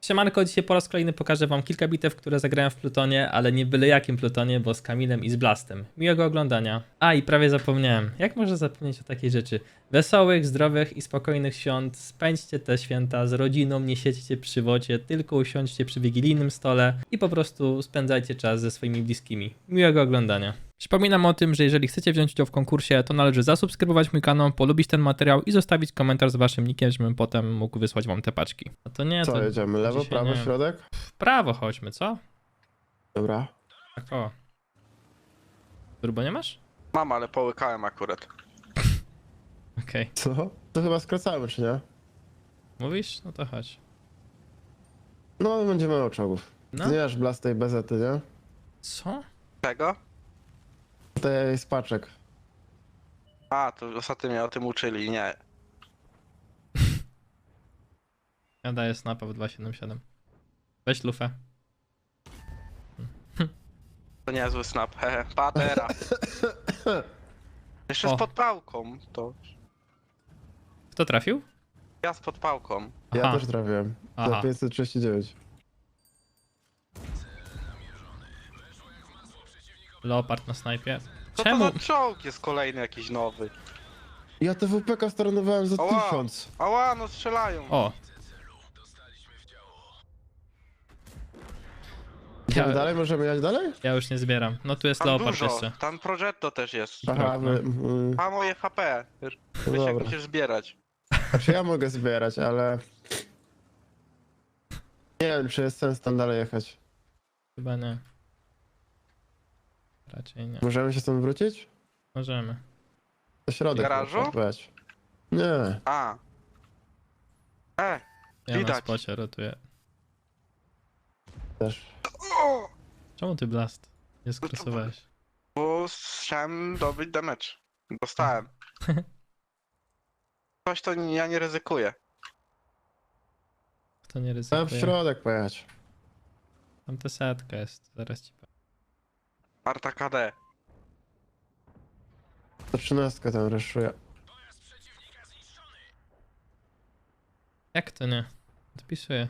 Siemanko, dzisiaj po raz kolejny pokażę wam kilka bitew, które zagrałem w Plutonie, ale nie byle jakim Plutonie, bo z Kamilem i z Blastem. Miłego oglądania. A i prawie zapomniałem. Jak można zapomnieć o takiej rzeczy? Wesołych, zdrowych i spokojnych świąt. Spędźcie te święta z rodziną, nie siedźcie przy wodzie, tylko usiądźcie przy wigilijnym stole i po prostu spędzajcie czas ze swoimi bliskimi. Miłego oglądania. Przypominam o tym, że jeżeli chcecie wziąć udział w konkursie, to należy zasubskrybować mój kanał, polubić ten materiał i zostawić komentarz z waszym nickiem, żebym potem mógł wysłać wam te paczki. No to nie, Co, to jedziemy? Lewo, dzisiaj prawo, nie. środek? W prawo chodźmy, co? Dobra. Tak o. Turbo nie masz? Mam, ale połykałem akurat. Okej. Co? To chyba skracamy, czy nie? Mówisz? No to chodź. No, będziemy miał czołgów. No. Ty nie masz blastej bezety, nie? Co? Czego? To jest paczek. A, to ostatnio mnie o tym uczyli, nie. Ja daję snapa w 277. Weź lufę. To niezły snap, hehe. Patera. Jeszcze O. z podpałką, to... Kto trafił? Ja z podpałką. Ja Aha. też trafiłem. Aha. Za 539. Leopard na snajpie. Co Czemu? to za czołg jest kolejny jakiś nowy? Ja te WPK staranowałem za Ała. 1000. Ała, no strzelają. O! Idziemy Ja, dalej? Możemy jechać dalej? ja już nie zbieram. No tu jest Tam Leopard dużo, jeszcze. tam Progetto też jest. Aha, no. Ma moje HP. Wiesz jak dobra. musisz zbierać. Znaczy ja mogę zbierać, ale... Nie wiem, czy jest sens tam dalej jechać. Chyba nie. Raczej nie. Możemy się stąd wrócić? Możemy. Do środek. Garażu? można pojechać. Nie. A. Ja na Widać. spocie rotuję. Też. O! Czemu ty Blast? Nie skrosowałeś. Bo chciałem dobyć damage. Dostałem. Coś to ja nie ryzykuję. Kto nie Trzeba w ryzykuje? środek pojechać. Tam ta setka jest. Zaraz ci powiem. Arta KD. To 13 tam reszuje. Jak to nie? Odpisuję.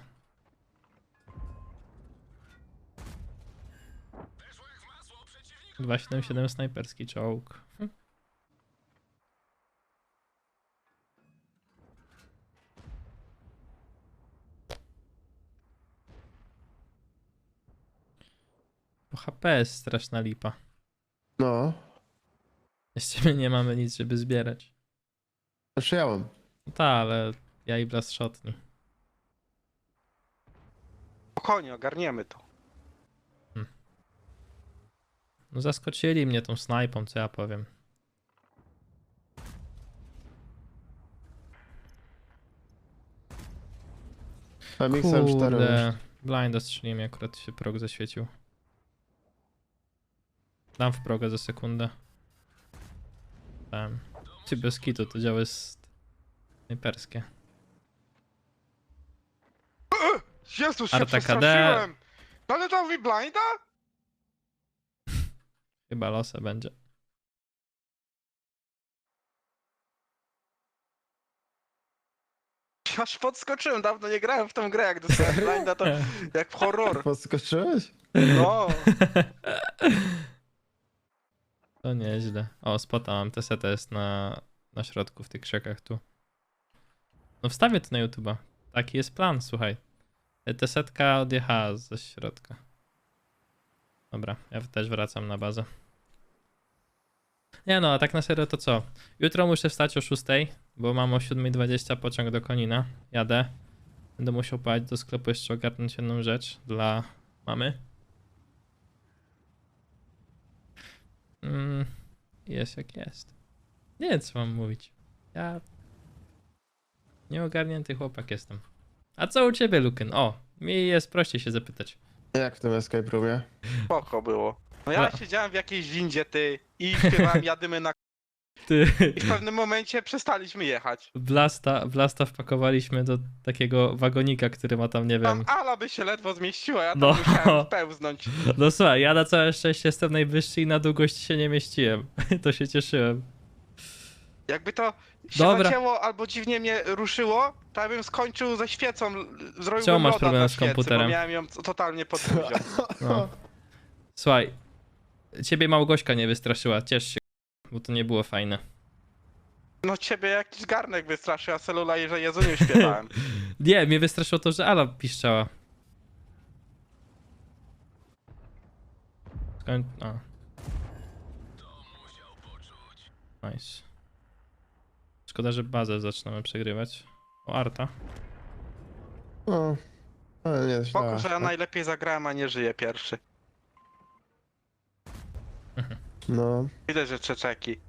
Dwa 7 snajperski czołg. Po HP jest straszna lipa. No. Jeszcze my nie mamy nic, żeby zbierać. Znaczy ja mam. No ta, ale ja i Blast shotni. Spokojnie, ogarniemy to. No zaskoczyli mnie tą snajpą, co ja powiem. MXM 4 Kurde, blinda strzeliłem, akurat się prog zaświecił. Dam w progę za sekundę. Dałem. Czy bez kitu to działa jest snajperskie. Jezus, się Arta KD. przestraszyłem! No ale dał mi blinda? Chyba losa będzie. Aż podskoczyłem, dawno nie grałem w tą grę, jak dostałem blinda to jak w horror. Podskoczyłeś? No, To nieźle. O, spota mam. Teseta jest na środku, w tych krzakach tu. No wstawię to na YouTube'a. Taki jest plan, słuchaj. Tesetka odjechała ze środka. Dobra, ja też wracam na bazę. Nie no, a tak na serio to co? Jutro muszę wstać o 6, bo mam o 7:20 pociąg do Konina. Jadę. Będę musiał pojechać do sklepu jeszcze ogarnąć jedną rzecz dla mamy. Jest jak jest. Nie wiem co mam mówić. Ja... Nieogarnięty chłopak jestem. A co u ciebie, Luken? O, mi jest prościej się zapytać. Jak w tym escape roomie? spoko było. No ja siedziałem w jakiejś windzie, ty, i śpiewałem jadymy na... Ty, I w pewnym momencie przestaliśmy jechać. Blasta wpakowaliśmy do takiego wagonika, który ma tam, nie Tam wiem... Ala by się ledwo zmieściła, ja tam No. musiałem pełznąć. No słuchaj, ja na całe szczęście jestem najwyższy i na długość się nie mieściłem. To się cieszyłem. Jakby to się Dobra. zacięło albo dziwnie mnie ruszyło, to ja bym skończył ze świecą, zrobiłbym Czemu masz loda problem na z świecy, komputerem? bo miałem ją totalnie pod buzią. No. Słuchaj, ciebie Małgośka nie wystraszyła, ciesz się, bo to nie było fajne. No ciebie jakiś garnek wystraszył, a celula, że Jezuniu śpiewałem. Nie, mnie wystraszyło to, że Ala piszczała. A. Nice. Szkoda, że bazę zaczynamy przegrywać. O, Arta. No, ale nie, Spoko, że ja źle. najlepiej zagrałem, a nie żyję pierwszy. No, Widać, że czeczeki.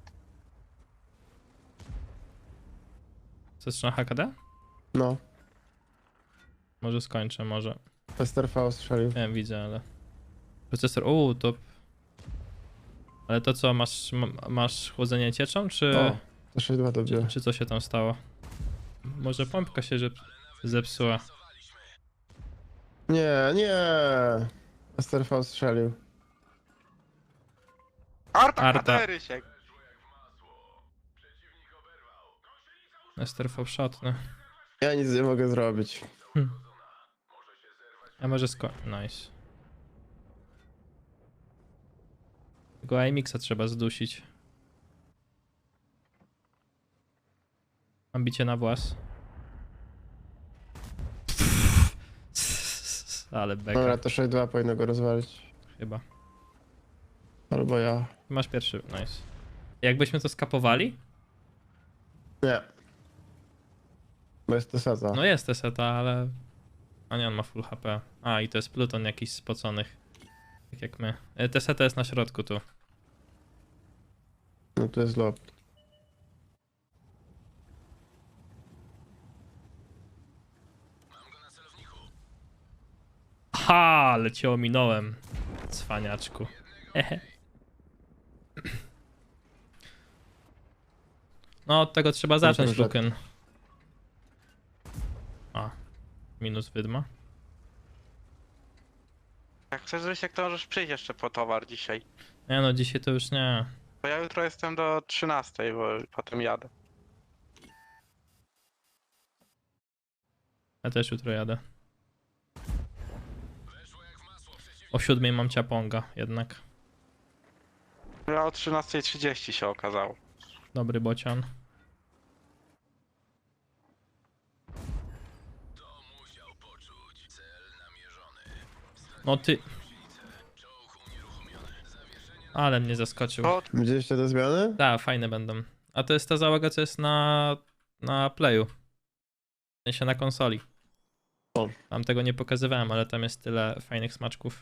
Zaczyna HKD? no. Może skończę, może. STRV strzelił. Nie wiem, widzę, ale... Procesor, to... Ale to co, masz chłodzenie cieczą, czy... O, to 6-2 dobiło. Czy co się tam stało? Może pompka się zepsuła. Nie, nie. STRV strzelił. Arta, Arta. Rysiek. STRV shotny. Ja nic nie mogę zrobić. A może Nice. Tego IMX-a trzeba zdusić. Mam bicie na włas. Ale beka, Dobra, to 6-2 powinno go rozwalić. chyba. Albo ja. Masz pierwszy, nice. Jakbyśmy to skapowali? Nie. Bo jest to seta. No jest seta, ale... A nie, on ma full HP. A, i to jest Pluton jakiś spoconych. Tak jak my. Seta jest na środku tu. No to jest lob. Ha, ale cię ominąłem. Cwaniaczku. Hehe. No, od tego trzeba zacząć, proszę. Luken. A, minus wydma. Jak chcesz, Rysiek, to możesz przyjść jeszcze po towar dzisiaj. Nie no, dzisiaj to już nie. Bo ja jutro jestem do 13, bo potem jadę. Ja też jutro jadę. O 7 mam ciaponga jednak. Ja o 13:30 się okazało. Dobry bocian. No ty... Ale mnie zaskoczył. O, Widzieliście te zmiany? Tak, fajne będą. A to jest ta załoga, co jest na Playu. W sensie na konsoli. O. Tam tego nie pokazywałem, ale tam jest tyle fajnych smaczków.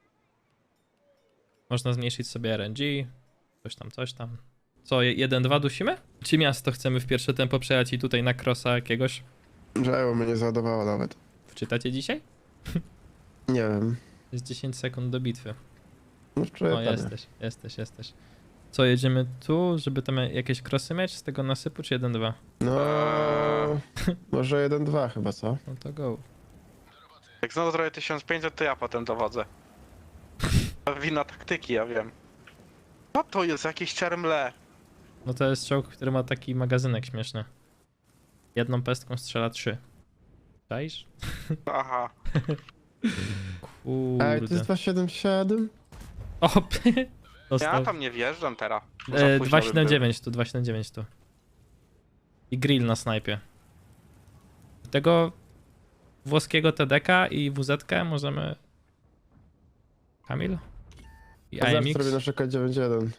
Można zmniejszyć sobie RNG, coś tam. Co, 1-2 dusimy? Czy miasto chcemy w pierwsze tempo przejechać i tutaj na crossa jakiegoś? Żało mnie nie załadowało nawet. Wczytacie dzisiaj? Nie wiem. Jest 10 sekund do bitwy. No wczoraj O, padłem. jesteś. Co, jedziemy tu, żeby tam jakieś crossy mieć z tego nasypu, czy 1-2? No, może 1-2 chyba, co? No to go. jak znowu zrobię 1500, to ja potem dowodzę. To wina taktyki, ja wiem. Co to jest? Jakieś czermle. No to jest czołg, który ma taki magazynek śmieszny. Jedną pestką strzela 3. Czaisz? Aha. Kurde. Ej, to jest 277? O, Ja dostał. tam nie wjeżdżam teraz. Bo za późno by było. 279 tu, 279 tu. I grill na snajpie. Tego włoskiego TDK i WZ możemy... Kamil? I A zaraz AMX? zrobię na przykład 9-1.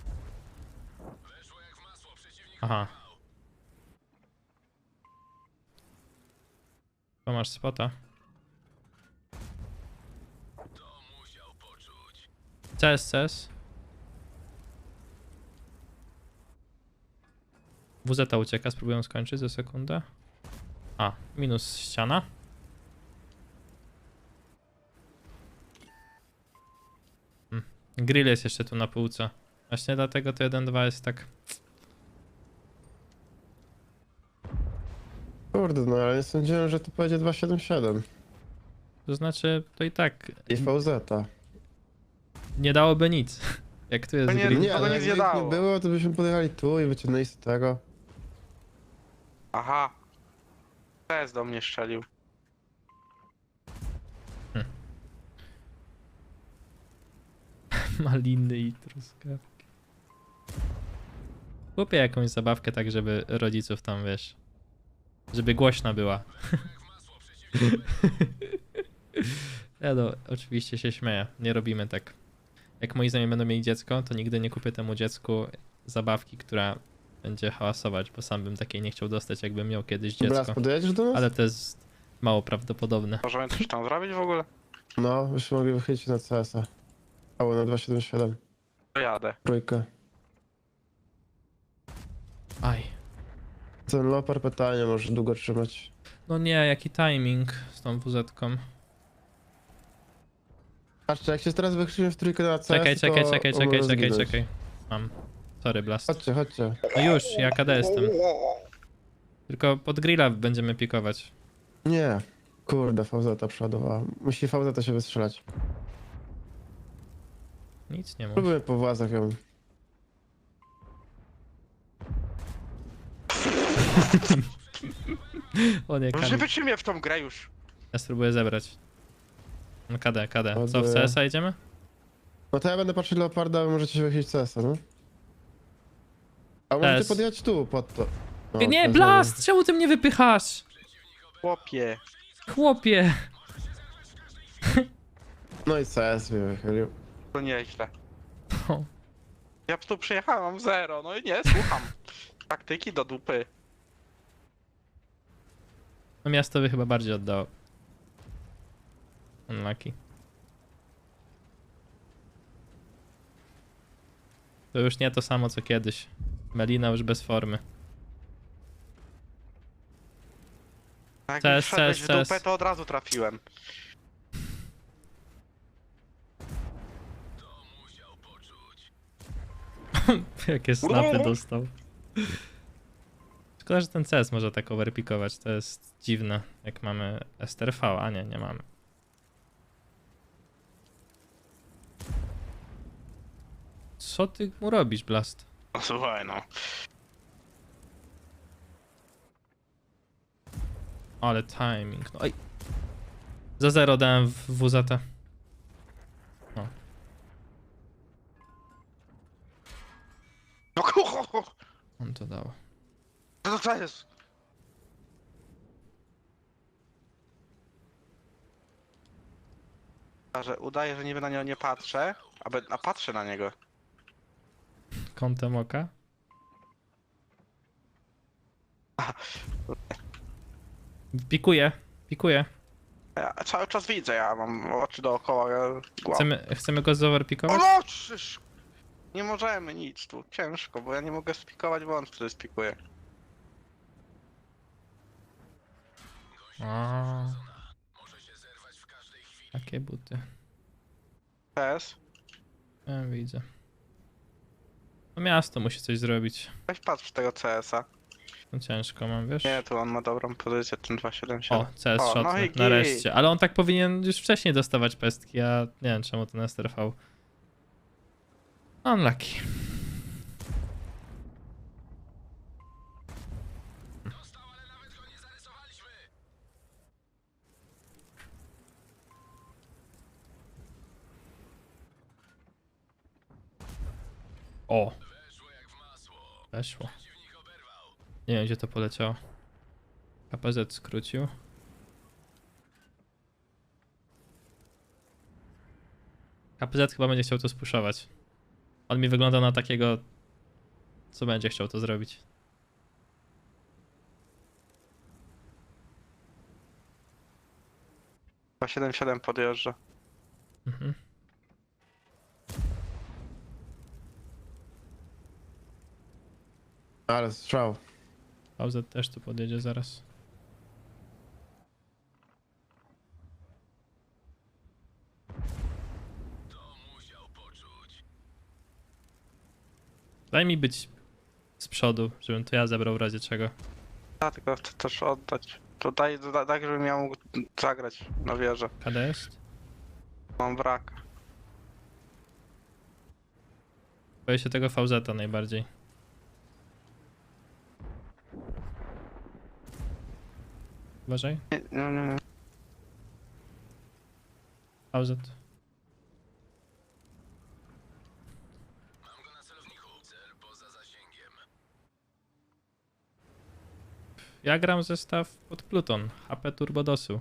Aha. To masz spota. CS. WZ ucieka, spróbuję skończyć za sekundę. A, minus ściana. Grill jest jeszcze tu na półce. Właśnie dlatego to 1-2 jest tak... Kurde, no ale nie sądziłem, że to będzie 277. To znaczy, to i tak I VZ. nie dałoby nic. Jak tu jest To nie- grill. Nie, to ale nic jakby nie ich dało. nie było, to byśmy podjechali tu i wyciągnęli z tego. Aha. PS do mnie strzelił. Maliny i truskawki. Kupię jakąś zabawkę tak, żeby rodziców tam, wiesz, żeby głośna była. Ja no, oczywiście się śmieję, nie robimy tak. Jak moi znajomi będą mieli dziecko, to nigdy nie kupię temu dziecku zabawki, która będzie hałasować, bo sam bym takiej nie chciał dostać, jakbym miał kiedyś Blas, dziecko. podjedziesz do nas? Ale to jest mało prawdopodobne. Możemy coś tam zrobić w ogóle? No, byśmy mogli wychylić na CS-a. Albo na 277. To jadę. Trójkę. Aj. Ten Lopar pytanie może długo trzymać. No nie, jaki timing z tą WZ-ką. Patrzcie, jak się teraz wychylimy w trójkę na CS, Czekaj, czekaj, to czekaj, czekaj, możemy czekaj, zginąć. czekaj. Mam. Sorry, Blast. Chodźcie, chodźcie. No już, ja KD jestem. Tylko pod grilla będziemy pikować. Nie. Kurde, VZ przodowała. Musi VZ się wystrzelać. Nic nie mów. Próbujemy po włazach ją. O nie, Że Kamil. wytrzymię w tą grę już. Ja spróbuję zebrać. No KD, KD. Co, w Ładuję. CS-a idziemy? No to ja będę patrzył Leoparda, a wy możecie się wychylić CS-a, no? A możecie CS. podjechać tu, pod to. No, Nie, to Blast! Czemu ty mnie wypychasz? Chłopie. Chłopie! No i CS mnie wychylił. To nieźle. O, Ja tu przyjechałem, mam 0. No i nie, słucham. Taktyki do dupy. no miasto by chyba bardziej oddało. Unlucky. To już nie to samo co kiedyś. Melina już bez formy. Jak CS, mi wszedłeś CS, w dupę, CS. to od razu trafiłem. Jakie snapy dostał. Szkoda, że ten CS może tak overpikować. To jest dziwne, jak mamy STRV, a nie, nie mamy. Co ty mu robisz, Blast? No słuchaj, no. Ale timing, no oj. Za 0 dałem w WZT. No. No kucho! On to dał. Co to jest? Że udaję, że niby na niego nie patrzę, a patrzę na niego. Kątem oka. Pikuje, pikuje. Ja cały czas widzę, ja mam oczy dookoła. Chcemy go zoverpikować? O no, czyż! Nie możemy nic tu, ciężko, bo ja nie mogę spikować, bo on wtedy spikuje. A. Takie buty. PS? Ja widzę. No miasto musi coś zrobić. Weź patrz w tego CS-a. No ciężko mam, wiesz? Nie, tu on ma dobrą pozycję, ten 277. O, CS O, shot, no i git. nareszcie. Ale on tak powinien już wcześniej dostawać pestki, ja nie wiem czemu ten STRV. Unlucky. O! Weszło. Nie wiem gdzie to poleciało. KPZ skrócił. KPZ chyba będzie chciał to spuszować. On mi wygląda na takiego, co będzie chciał to zrobić. Chyba 77 podjeżdża. Mhm. Ale strzał. VZ też tu podjedzie zaraz. Daj mi być z przodu, żebym to ja zebrał w razie czego. Ja tylko chcę też oddać. To daj, tak, żebym ja mógł zagrać na wieżę. KD jest? Mam wraka. Boję się tego VZ najbardziej. Uważaj. Nie. Pauzet. Ja gram zestaw pod Pluton, HP Turbodosu.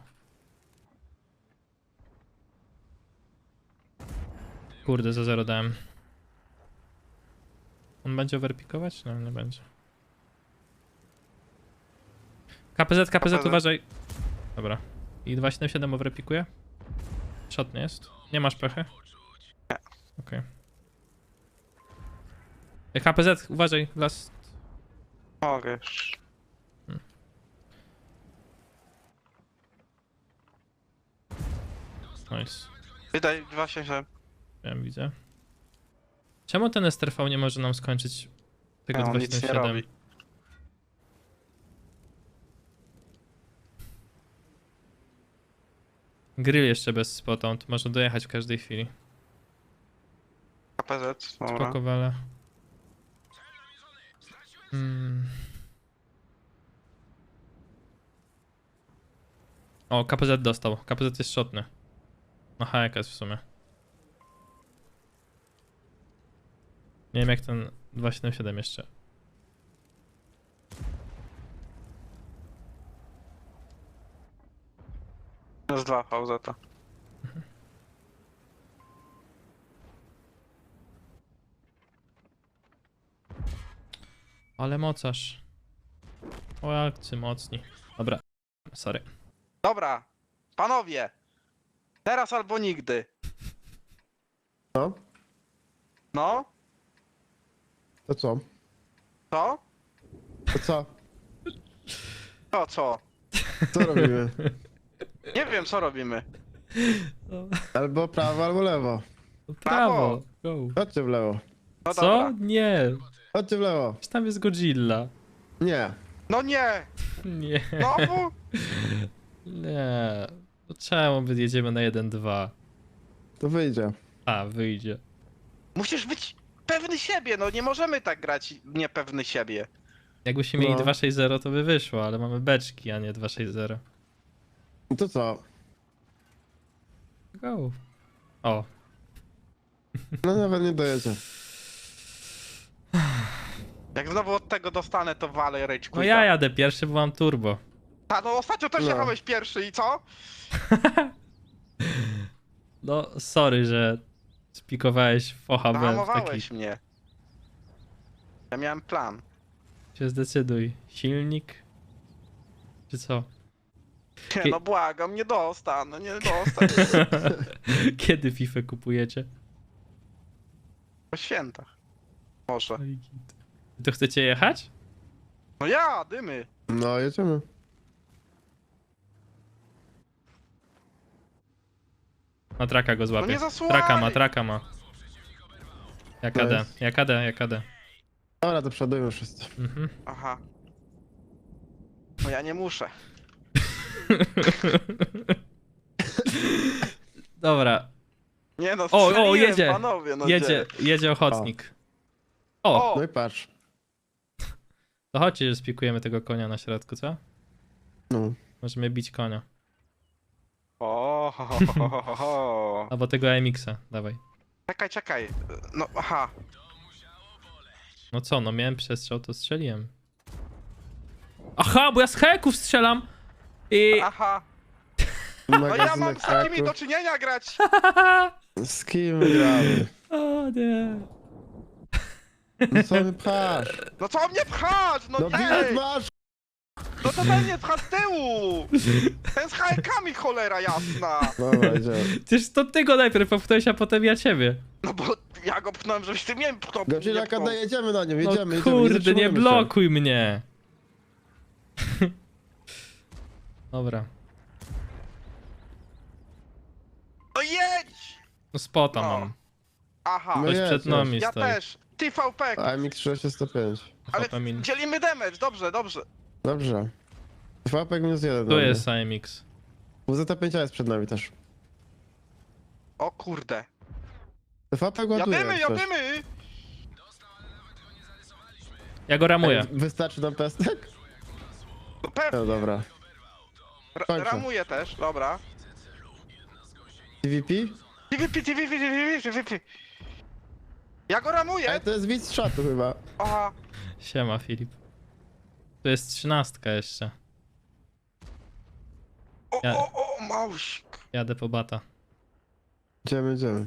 Kurde, za 0 dałem. On będzie overpikować? No, nie będzie. KPZ, uważaj. Dobra. I 277 overpikuje? Shot nie jest? Nie masz pechy? Nie. Okej. KPZ, uważaj, last. Mogę już. Nice. Wydaj 277. Wiem, widzę. Czemu ten STRV nie może nam skończyć tego No, nic nie 277? robi. Grill jeszcze bez spota, on tu może dojechać w każdej chwili. KPZ, dobra. Spokowale. O, KPZ dostał. KPZ jest shotny. No HK jest w sumie. Nie wiem jak ten 277 jeszcze. Minus 2 VZ. Ale mocarz. O, akcy mocni. Dobra. Sorry. Dobra, panowie. Teraz albo nigdy. No, No, to co? co? To co? To co? Co robimy? Nie wiem, co robimy. Albo prawo, albo lewo. Prawo. Go. Chodźcie w lewo. No Co? dobra. Nie. Chodźcie w lewo. Czy tam jest Godzilla? Nie. No nie! Nie. Znowu? Nie. No czemu jedziemy na 1-2? To wyjdzie. A, wyjdzie. Musisz być pewny siebie, no nie możemy tak grać niepewny siebie. Jakbyśmy mieli No. 2-6-0 to by wyszło, ale mamy beczki, a nie 2-6-0. To co? Go. O. No nawet nie dojedzie. Jak znowu od tego dostanę, to walę rage No ja jadę pierwszy, bo mam turbo. Ta, no ostatnio też No. jechałeś pierwszy i co? No, sorry, że spikowałeś focha w taki. Zahamowałeś mnie. Ja miałem plan. Się zdecyduj. Silnik? Czy co? Nie, no błagam, nie dostanę, nie dostanę. Kiedy FIFA kupujecie? Po świętach. Może. No i git. To chcecie jechać? No ja, dymy. No, jedziemy. Na traka go No złapię. nie zasłuchaj. Traka ma. Jakadę. Dobra, to przodujmy wszyscy. Mhm. Aha. No ja nie muszę. Dobra, Nie no, O, strzeliłem, jedzie. panowie, no jedzie ochotnik. O, O! No i patrz. to chodźcie, że spikujemy tego konia na środku, co? No. Możemy bić konia. O, ho, ho. Albo tego AMX-a, dawaj. Czekaj. No, aha. No co, no miałem przestrzał, to strzeliłem. Aha, bo ja z heków strzelam! I... Aha. No ja mam Magazynek z takimi haków. do czynienia grać. Z kim gramy? O nie. No co mnie pchasz? No co mnie pchasz? No No bilet ej! masz! No to ten mnie pcha z tyłu! Ten z hajkami, cholera jasna! Dobra, idziemy. Przecież to ty go najpierw popchnąłeś, a potem ja ciebie. No bo ja go pchnąłem, żebyś ty mnie pchnął. Godzilla, kada, jedziemy na nią, No jedziemy, kurde, nie zatrzymujemy się. blokuj mnie. Dobra. No jedź! No spota No. mam. Aha, No Ktoś jedź, przed nami ja stoi. też. TVP. AMX 605. Ale HP min. dzielimy damage, dobrze. Dobrze. Fapek minus 1. Tu jest AMX. WZ5 jest przed nami też. O kurde. Fapek ładuje. Jadymy, jak coś. jadymy! Ja go ramuję. Ej, wystarczy nam pestek? No pewnie. No dobra. Kończę. Ramuję też, dobra. TVP? TVP. Ja go ramuję! Ej, to jest widz z czatu chyba. Aha. Siema, Filip. Tu jest 13 jeszcze. Ja- O, małś. Jadę po bata. Idziemy.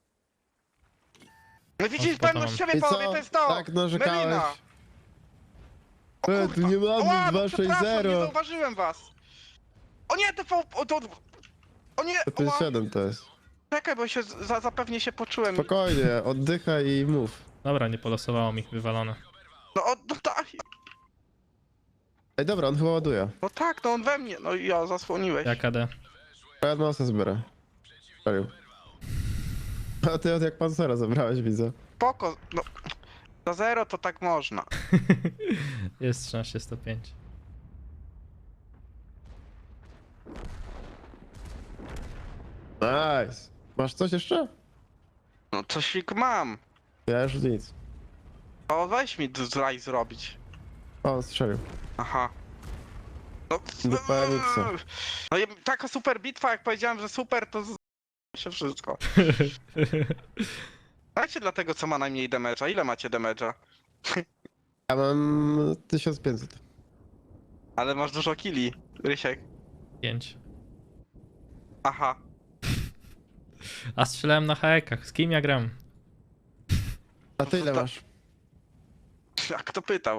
No widzisz, O, potem pewność mam. siebie, I panowie, co? to jest to! Tak narzekałeś? Melina. O Tu kurwa. nie mamy Ała, no 2-6-0. przepraszam, nie zauważyłem was. O nie, o nie, To jest ała. 7 to jest. Czekaj, bo się zapewnie się poczułem. Spokojnie, oddychaj i mów. Dobra, nie polosowało mi, wywalone. No tak, Ej, dobra, on chyba ładuje. no tak, no on we mnie, no i ja zasłoniłeś. Jak AD? Ja nosę zbiorę. Serio. A ty od jak pancera zabrałeś, widzę. Spoko, no. Za 0 to tak można. Jest 13-105. Nice. Masz coś jeszcze? No coś mam. Ja już nic. O, weź mi zraj zrobić. O, strzelił. Aha. No, Do PMX-a. no i taka super bitwa, jak powiedziałem, że super, to się wszystko. Dajcie dla tego, co ma najmniej damage'a. Ile macie damage'a? Ja mam 1500. Ale masz dużo killi, Rysiek. 5. Aha. A strzelałem na haekach. Z kim ja gram? A ty ile to- masz? A kto pytał?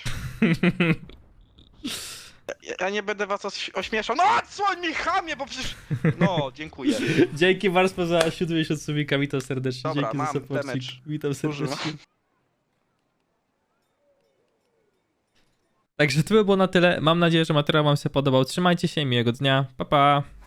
Ja nie będę was ośmieszał. No odsłoń mi, chamie, bo przecież... No, dziękuję. Dzięki Warspo za 7 miesiąc subika, witam serdecznie. Dobra, Dzięki mam za supporcik. damage. Witam Duży serdecznie. Także to by było na tyle. Mam nadzieję, że materiał wam się podobał. Trzymajcie się, miłego dnia. Pa, pa.